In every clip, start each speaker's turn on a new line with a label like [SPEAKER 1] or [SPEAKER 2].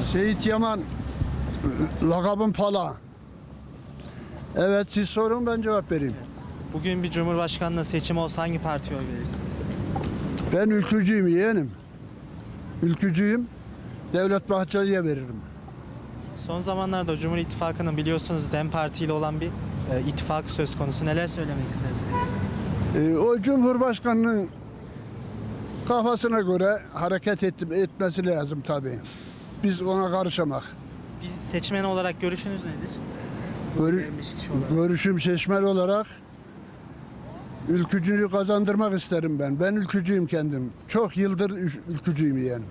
[SPEAKER 1] Seyit Yaman, lakabım Pala. Evet, siz sorun, ben cevap vereyim.
[SPEAKER 2] Bugün bir cumhurbaşkanlığı seçimi olsa hangi partiye oy verirsiniz?
[SPEAKER 1] Ben ülkücüyüm yeğenim. Ülkücüyüm. Devlet Bahçeli'ye veririm.
[SPEAKER 2] Son zamanlarda Cumhur İttifakı'nın biliyorsunuz DEM Parti ile olan bir ittifak söz konusu. Neler söylemek istersiniz?
[SPEAKER 1] O Cumhurbaşkanı'nın kafasına göre hareket etmesi lazım tabii. Biz ona karışamak.
[SPEAKER 2] Bir seçmen olarak görüşünüz nedir? Gelmiş kişi olarak.
[SPEAKER 1] Görüşüm seçmen olarak ülkücülüğü kazandırmak isterim ben. Ben ülkücüyüm kendim. Çok yıldır ülkücüyüm yani.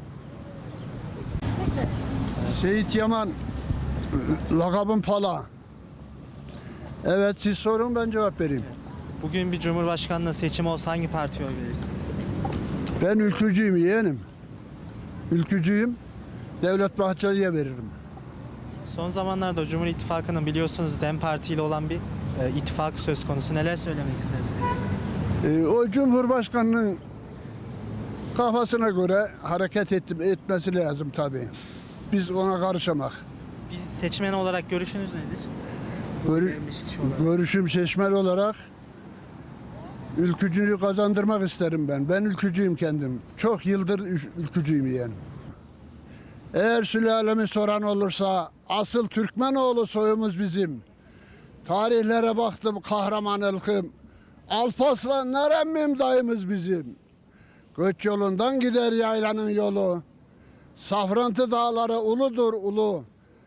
[SPEAKER 1] Seyit Yaman, lakabım Pala. Evet, siz sorun, ben cevap vereyim.
[SPEAKER 2] Bugün bir cumhurbaşkanlığı seçimi olsa hangi partiye oy verirsiniz?
[SPEAKER 1] Ben ülkücüyüm yeğenim. Ülkücüyüm. Devlet Bahçeli'ye veririm.
[SPEAKER 2] Son zamanlarda Cumhur İttifakı'nın biliyorsunuz DEM Parti ile olan bir ittifak söz konusu. Neler söylemek istersiniz?
[SPEAKER 1] O Cumhurbaşkanı'nın kafasına göre hareket etmesi lazım tabii. Biz ona karışamak.
[SPEAKER 2] Bir seçmen olarak görüşünüz nedir? Gelmiş kişi olarak.
[SPEAKER 1] Görüşüm seçmen olarak ülkücülüğü kazandırmak isterim ben. Ben ülkücüyüm kendim. Çok yıldır ülkücüyüm yani. Eğer sülalemi soran olursa asıl Türkmenoğlu soyumuz bizim. Tarihlere baktım kahraman ılkım. Alparslanlar emmim dayımız bizim. Göç yolundan gider yaylanın yolu. Safrantı dağları uludur ulu.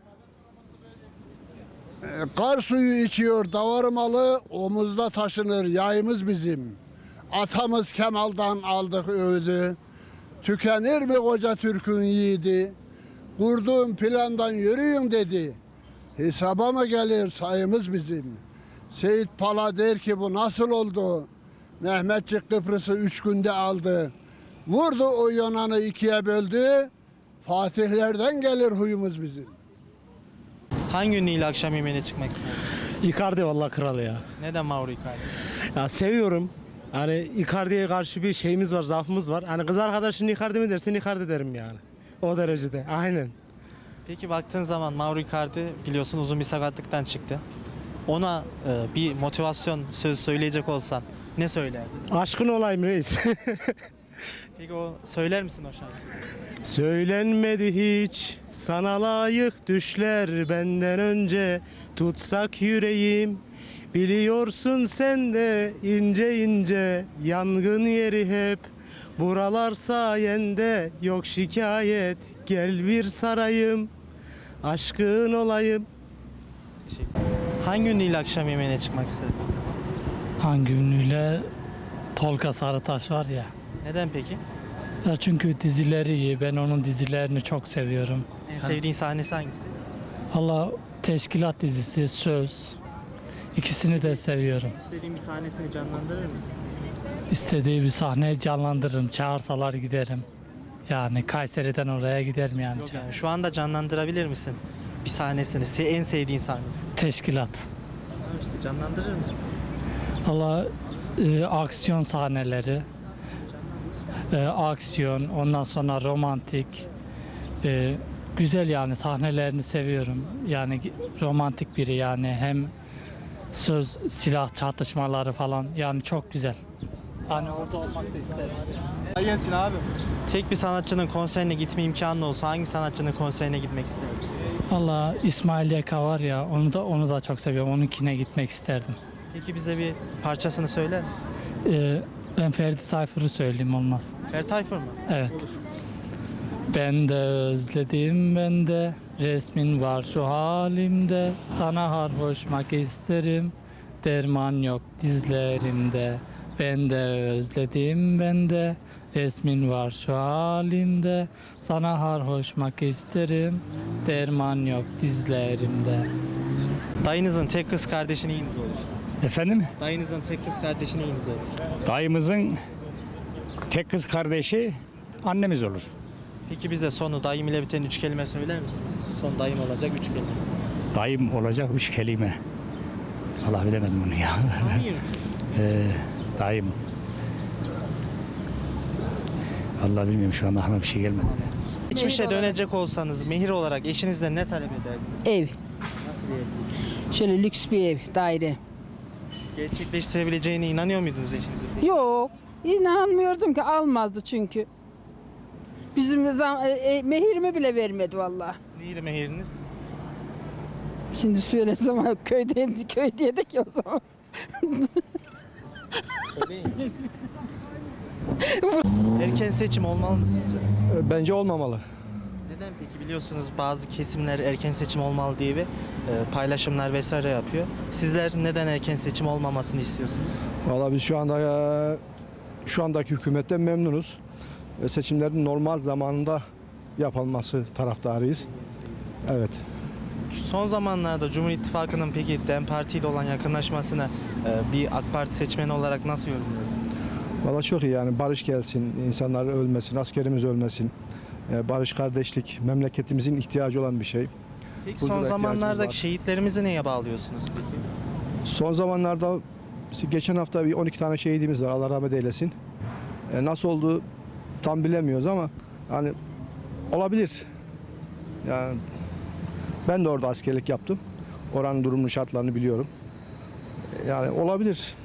[SPEAKER 1] Kar suyu içiyor davarmalı, omuzda taşınır yayımız bizim. Atamız Kemal'dan aldık öğüdü. Tükenir mi koca Türk'ün yiğidi? Kurduğum plandan yürüyün dedi. Hesaba mı gelir sayımız bizim? Seyit Pala der ki bu nasıl oldu? Mehmetçik Kıbrıs'ı 3 günde aldı. Vurdu o Yunan'ı ikiye böldü. Fatihlerden gelir huyumuz bizim.
[SPEAKER 2] Hangi ünlüyle akşam yemeğine çıkmak isterdiniz?
[SPEAKER 3] Icardi vallahi kral ya.
[SPEAKER 2] Neden Mauro Icardi?
[SPEAKER 3] Ya seviyorum. Hani Icardi'ye karşı bir şeyimiz var, zaafımız var. Hani kız arkadaşın Icardi mi dersin Icardi derim yani. O derecede. Aynen.
[SPEAKER 2] Peki baktığın zaman Mauro Icardi biliyorsun uzun bir sakatlıktan çıktı. Ona bir motivasyon sözü söyleyecek olsan ne söylerdin?
[SPEAKER 3] Aşkın olayım reis.
[SPEAKER 2] Peki o söyler misin o şarkıyı?
[SPEAKER 3] Söylenmedi hiç sana layık düşler benden önce tutsak yüreğim. Biliyorsun sen de ince ince yangın yeri hep. Buralar sayende yok şikayet gel bir sarayım aşkın olayım.
[SPEAKER 2] Teşekkür ederim. Hangi ünlüyle akşam yemeğine çıkmak isterdin?
[SPEAKER 4] Hangi ünlüyle? Tolga Sarıtaş var ya.
[SPEAKER 2] Neden peki?
[SPEAKER 4] Ya çünkü dizileri iyi. Ben onun dizilerini çok seviyorum.
[SPEAKER 2] En sevdiğin sahnesi hangisi?
[SPEAKER 4] Valla Teşkilat dizisi, Söz. İkisini de seviyorum.
[SPEAKER 2] İstediğin bir sahnesini canlandırır mısın?
[SPEAKER 4] İstediği bir sahneyi canlandırırım. Çağırsalar giderim. Yani Kayseri'den oraya giderim yani.
[SPEAKER 2] Yok yani şu anda canlandırabilir misin bir sahnesini? En sevdiğin sahnesi.
[SPEAKER 4] Teşkilat.
[SPEAKER 2] Tamam işte canlandırır mısın?
[SPEAKER 4] Valla aksiyon sahneleri. Aksiyon, ondan sonra romantik. Güzel yani sahnelerini seviyorum. Yani romantik biri yani hem söz, silah çatışmaları falan yani çok güzel. Hani orada olmak da isterim.
[SPEAKER 2] Gelsin abi. Tek bir sanatçının konserine gitme imkanı olsa hangi sanatçının konserine gitmek isterdin?
[SPEAKER 4] Valla İsmail Yeka var ya onu da çok seviyorum. Onunkine gitmek isterdim.
[SPEAKER 2] Peki bize bir parçasını söyler misin?
[SPEAKER 4] Ben Ferdi Tayfur'u söyleyeyim olmaz.
[SPEAKER 2] Ferdi Tayfur mu?
[SPEAKER 4] Evet.
[SPEAKER 2] Olur.
[SPEAKER 4] Ben de özledim ben de resmin var şu halimde sana harhoşmak isterim derman yok dizlerimde ben de özledim ben de resmin var şu halimde sana harhoşmak isterim derman yok dizlerimde.
[SPEAKER 2] Dayınızın tek kız kardeşi neyiniz olur?
[SPEAKER 5] Efendim?
[SPEAKER 2] Dayınızın tek kız kardeşi neyiniz olur?
[SPEAKER 5] Dayımızın tek kız kardeşi annemiz olur.
[SPEAKER 2] Peki bize sonu dayım ile biten 3 kelime söyler misiniz? Son dayım olacak 3 kelime.
[SPEAKER 5] Dayım olacak 3 kelime. Allah bilemedim bunu ya.
[SPEAKER 2] Tahmin yürütün.
[SPEAKER 5] Dayım. Vallahi bilmiyorum, şu anda aklıma bir şey gelmedi.
[SPEAKER 2] Geçmişe
[SPEAKER 6] olarak.
[SPEAKER 2] dönecek olsanız mehir olarak eşinizden ne talep ederdiniz?
[SPEAKER 6] Ev.
[SPEAKER 2] Nasıl bir ev?
[SPEAKER 6] Şöyle lüks bir ev, daire.
[SPEAKER 2] Gerçekleştirebileceğine inanıyor muydunuz eşinizin?
[SPEAKER 6] Yok. İnanmıyordum ki almazdı çünkü. Bizim mehirimi bile vermedi vallahi.
[SPEAKER 2] Neydi mehiriniz?
[SPEAKER 6] Şimdi söylesem köydeydik ya o zaman.
[SPEAKER 2] Erken seçim olmalı mı sizce?
[SPEAKER 7] Bence olmamalı.
[SPEAKER 2] Neden peki? Biliyorsunuz bazı kesimler erken seçim olmalı diye bir paylaşımlar vesaire yapıyor. Sizler neden erken seçim olmamasını istiyorsunuz?
[SPEAKER 7] Vallahi biz şu andaki hükümetten memnunuz. Seçimlerin normal zamanında yapılması taraftarıyız. Evet.
[SPEAKER 2] Son zamanlarda Cumhur İttifakı'nın peki DEM Parti ile olan yakınlaşmasını bir AK Parti seçmeni olarak nasıl yorumluyorsunuz?
[SPEAKER 7] Vallahi çok iyi, yani barış gelsin, insanlar ölmesin, askerimiz ölmesin. Barış, kardeşlik memleketimizin ihtiyacı olan bir şey.
[SPEAKER 2] Peki
[SPEAKER 7] Huzura
[SPEAKER 2] son
[SPEAKER 7] ihtiyacımız
[SPEAKER 2] zamanlardaki
[SPEAKER 7] var.
[SPEAKER 2] şehitlerimizi neye bağlıyorsunuz peki?
[SPEAKER 7] Son zamanlarda işte geçen hafta bir 12 tane şehidimiz var, Allah rahmet eylesin. Nasıl oldu tam bilemiyoruz ama hani olabilir. Yani ben de orada askerlik yaptım. Oranın durumunu, şartlarını biliyorum. Yani olabilir.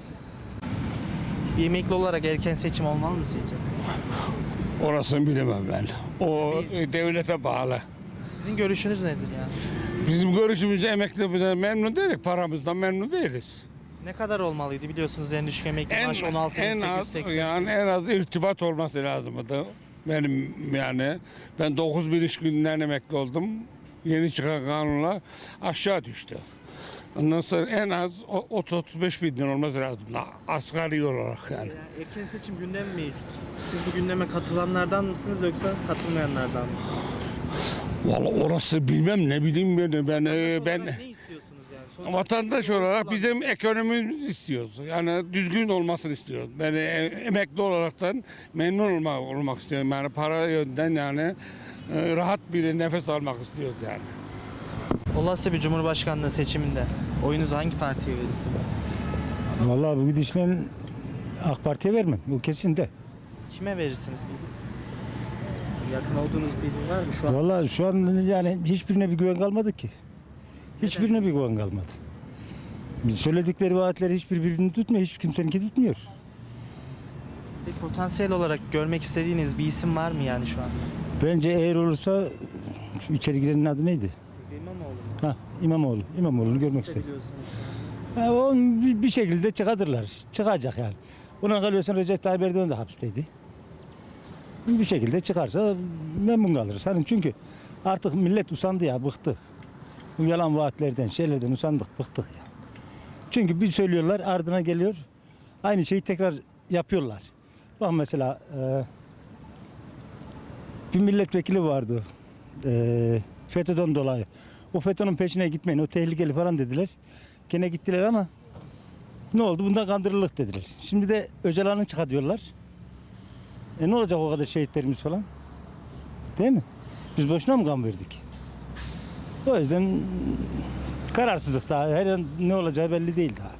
[SPEAKER 2] Bir emekli olarak erken seçim olmalı mı sizce?
[SPEAKER 8] Orasını bilemem ben. O devlete bağlı.
[SPEAKER 2] Sizin görüşünüz nedir yani?
[SPEAKER 8] Bizim görüşümüzde emekli memnun değiliz, paramızdan memnun değiliz.
[SPEAKER 2] Ne kadar olmalıydı biliyorsunuz en düşük emekli maaşı 16.880.
[SPEAKER 8] Yani en az irtibat olması lazımdı. Benim yani ben 9.000 iş gününden emekli oldum. Yeni çıkan kanunla aşağı düştü. Ondan sonra en az 30-35 bin lira olması lazım. Asgari olarak yani.
[SPEAKER 2] Yani erken seçim gündemi mevcut. Siz bu gündeme katılanlardan mısınız yoksa katılmayanlardan mı?
[SPEAKER 8] Vallahi orası bilmem, ne bileyim ben. Ben
[SPEAKER 2] Ne istiyorsunuz yani? Sonuçta
[SPEAKER 8] vatandaş olarak bizim ekonomimizi istiyoruz. Yani düzgün olmasını istiyoruz. Ben emekli olaraktan memnun olmak istiyorum. Yani para yönden yani rahat bir nefes almak istiyoruz yani.
[SPEAKER 2] olası bir Cumhurbaşkanlığı seçiminde oyunuzu hangi partiye verirsiniz?
[SPEAKER 5] Vallahi bu gidişle AK Parti'ye vermem. Bu kesin de.
[SPEAKER 2] Kime verirsiniz peki? Yakın olduğunuz biri var mı şu an?
[SPEAKER 5] Vallahi şu an yani hiçbirine bir güven kalmadı ki. Hiçbirine bir güven kalmadı. Söyledikleri vaatleri hiçbir birbirini tutmuyor. Hiç kimseninki tutmuyor.
[SPEAKER 2] Peki potansiyel olarak görmek istediğiniz bir isim var mı yani şu an?
[SPEAKER 5] Bence eğer olursa şu içeri girenin adı neydi?
[SPEAKER 2] İmamoğlu mu?
[SPEAKER 5] Ha, İmamoğlu. İmamoğlu'nu görmek isteriz.
[SPEAKER 2] Biliyorsunuz.
[SPEAKER 5] Ha, o bir şekilde çıkartırlar. Çıkacak yani. Ona kalıyorsun, Recep Tayyip Erdoğan da hapisteydi. Bir şekilde çıkarsa memnun kalırız. Hani çünkü artık millet usandı ya, bıktı. Bu yalan vaatlerden, şeylerden usandık, bıktık ya. Çünkü bir söylüyorlar, ardına geliyor. Aynı şeyi tekrar yapıyorlar. Bak mesela bir milletvekili vardı. FETÖ'den dolayı. O FETÖ'nün peşine gitmeyin, o tehlikeli falan dediler. Gene gittiler ama ne oldu? Bundan kandırıldık dediler. Şimdi de Öcalan'ı çıkartıyorlar. Ne olacak o kadar şehitlerimiz falan? Değil mi? Biz boşuna mı kan verdik? O yüzden kararsızlık daha. Her an ne olacağı belli değil daha.